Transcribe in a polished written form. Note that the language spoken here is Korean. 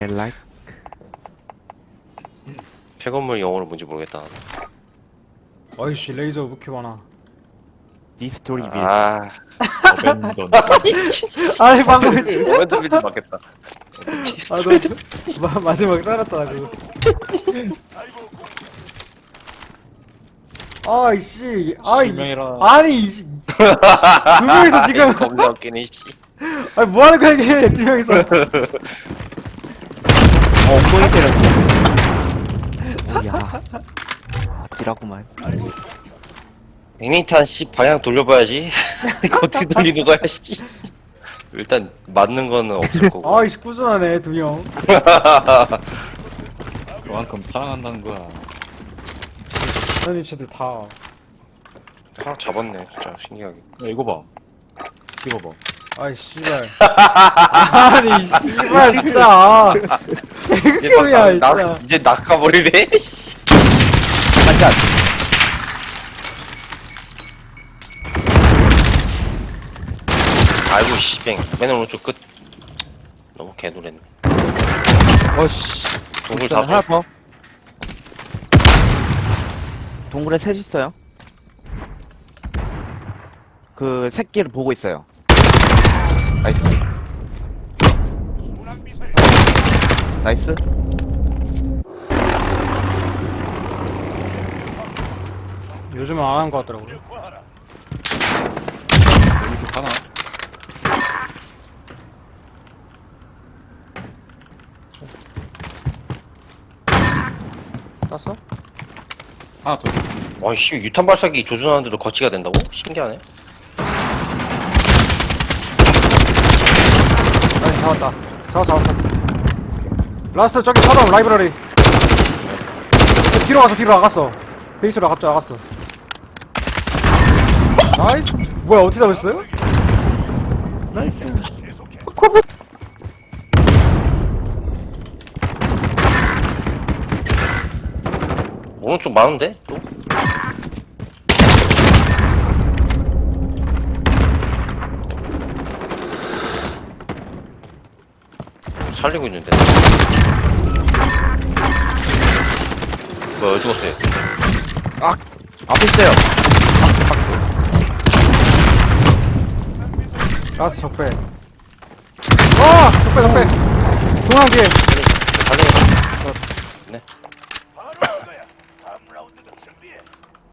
like 폐건물 영어로 뭔지 모르겠다. 어이씨 레이저 왜 이렇게 많아. 디스토리 빌 아, 어벤던. 아니 방금 진짜 어벤져비도 맞겠다. 아너 마지막에 따랐다 나 그거. 아이씨 아이 실명이라. 아니 이씨 두 명이서 지금 겁나 웃기네, 씨. 아니 뭐하는 거야 이게 두 명이서. 엉덩이 때렸어. 오야 아찔하구만. 백링탄 씨 방향 돌려봐야지. 이거 어떻게 돌리는 거야, 씨. 일단 맞는 거는 없을 거고. 아이씨 꾸준하네 두 명. 그만큼 사랑한다는 거야. 아니 쟤들 다. 하나 잡았네, 진짜 신기하게. 야, 이거 봐. 이거 봐. 아이 씨발. 아니 씨발 진짜. 개극혐이야 진짜. 이제 낚아버리네, 씨. 한잔. 아이고, 씨뱅. 맨 오른쪽 끝. 너무 개노랬네. 어씨. 동굴 하나 다 더. 동굴에 셋 있어요. 그 새끼를 보고 있어요. 나이스. 나이스. 요즘은 안 하는 거 같더라고요. 여기 하나. 땄어? 하나 더. 와, 씨, 유탄 발사기 조준하는데도 거치가 된다고? 신기하네. 아니 잡았다. 잡았어. 라스트 저기 서점 라이브러리. 뒤로 나갔어. 베이스로 나갔어. 나이스. 뭐야 어떻게 잡았어요? 나이스. 오른쪽 많은데? 또? 살리고 있는데. 뭐야, 죽었어요. 앞에 있어요. 라스트 적배. 적배. 동양 뒤에.